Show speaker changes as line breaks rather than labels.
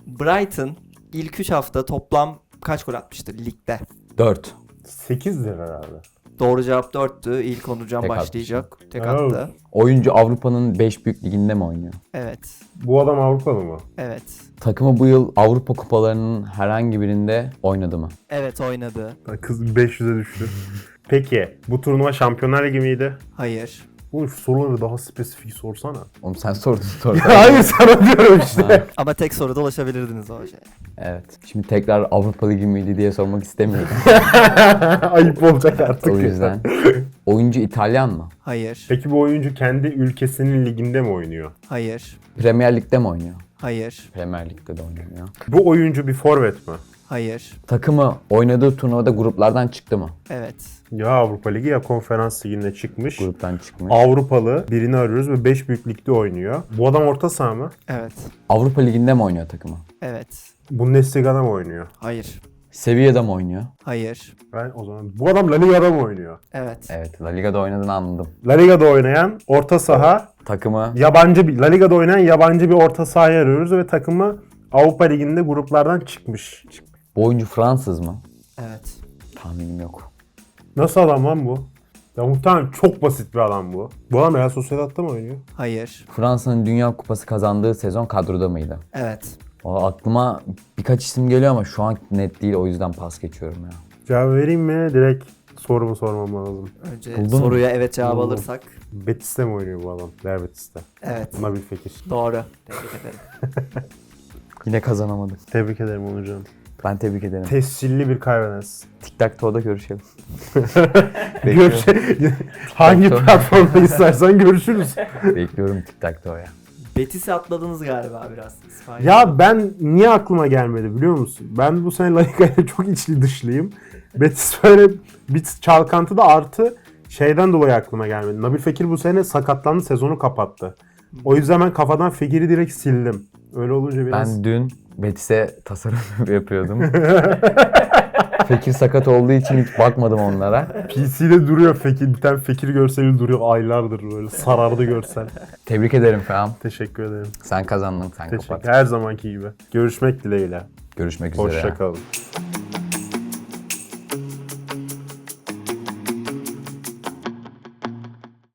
Brighton ilk 3 hafta toplam kaç gol atmıştır ligde?
4.
8'dir herhalde.
Doğru cevap 4'tü. İlk Onurcan
Tek
başlayacak. Tek
Evet.
attı.
Oyuncu Avrupa'nın 5 büyük liginde mi oynuyor?
Evet.
Bu adam Avrupalı mı?
Evet.
Takımı bu yıl Avrupa kupalarının herhangi birinde oynadı mı?
Evet oynadı.
Kız 500'e düştü. Peki bu turnuva Şampiyonlar Ligi miydi?
Hayır.
Oğlum şu soruları daha spesifik sorsana.
Oğlum sen sordun soru.
Hayır sana diyorum işte.
Ama tek soruda ulaşabilirdiniz o şeye.
Evet. Şimdi tekrar Avrupa Ligi miydi diye sormak istemiyorum.
Ayıp olacak artık.
O yüzden. Oyuncu İtalyan mı?
Hayır.
Peki bu oyuncu kendi ülkesinin liginde mi oynuyor?
Hayır.
Premier Lig'de mi oynuyor?
Hayır.
Premier Lig'de de oynamıyor.
Bu oyuncu bir forvet mi?
Hayır.
Takımı oynadığı turnuvada gruplardan çıktı mı?
Evet.
Ya Avrupa Ligi ya Konferans Ligi'ne çıkmış.
Gruptan çıkmış.
Avrupalı birini arıyoruz ve 5 büyük ligde oynuyor. Bu adam orta saha mı?
Evet.
Avrupa Ligi'nde mi oynuyor takımı?
Evet.
Bundesliga'da mı oynuyor?
Hayır.
Sevilla'da mı oynuyor?
Hayır.
Ben o zaman bu adam La Liga'da mı oynuyor?
Evet.
Evet, La Liga'da oynadığını anladım.
La Liga'da oynayan orta saha,
Takımı
yabancı bir La Liga'da oynayan yabancı bir orta sahayı arıyoruz ve takımı Avrupa Ligi'nde gruplardan çıkmış.
bu oyuncu Fransız mı?
Evet.
Tahminim yok.
Nasıl adam lan bu? Ya muhtemelen çok basit bir adam bu. Bu adam Real Sociedad'da mı oynuyor?
Hayır.
Fransa'nın Dünya Kupası kazandığı sezon kadroda mıydı?
Evet.
Aklıma birkaç isim geliyor ama şu an net değil, o yüzden pas geçiyorum ya.
Cevap vereyim mi? Direkt sorumu sormam lazım.
Önce
Buldun mu?
soruya evet cevap
Buldum.
alırsak.
Betis'te mi oynuyor bu adam? Real Betis'te.
Evet.
Nabil Fekir.
Doğru. Tebrik ederim.
Yine kazanamadım.
Tebrik ederim Onurcan.
Ben tebrik ederim.
Tescilli bir kaybederiz.
Tic Tac Toe'da görüşelim. Bekliyorum.
Hangi
Çok-
platformda istersen görüşürüz.
Bekliyorum Tic Tac Toe'ya.
Betis'i atladınız galiba biraz. İspanya.
Ya ben niye aklıma gelmedi biliyor musun? Ben bu sene La Liga'ya çok içli dışlıyım. Betis böyle bir çalkantıda artı şeyden dolayı aklıma gelmedi. Nabil Fekir bu sene sakatlandı, sezonu kapattı. O yüzden ben kafadan Fekir'i direkt sildim. Öyle olunca biraz...
Ben dün Betis'e tasarım yapıyordum. Fekir sakat olduğu için hiç bakmadım onlara.
PC'de duruyor Fekir. Bir tane Fekir görseli duruyor aylardır böyle. Sarardı görsel.
Tebrik ederim Feham.
Teşekkür ederim.
Sen kazandın, sen
Teşekkür.
kapat.
Her zamanki gibi. Görüşmek dileğiyle.
Görüşmek üzere.
Hoşça kalın.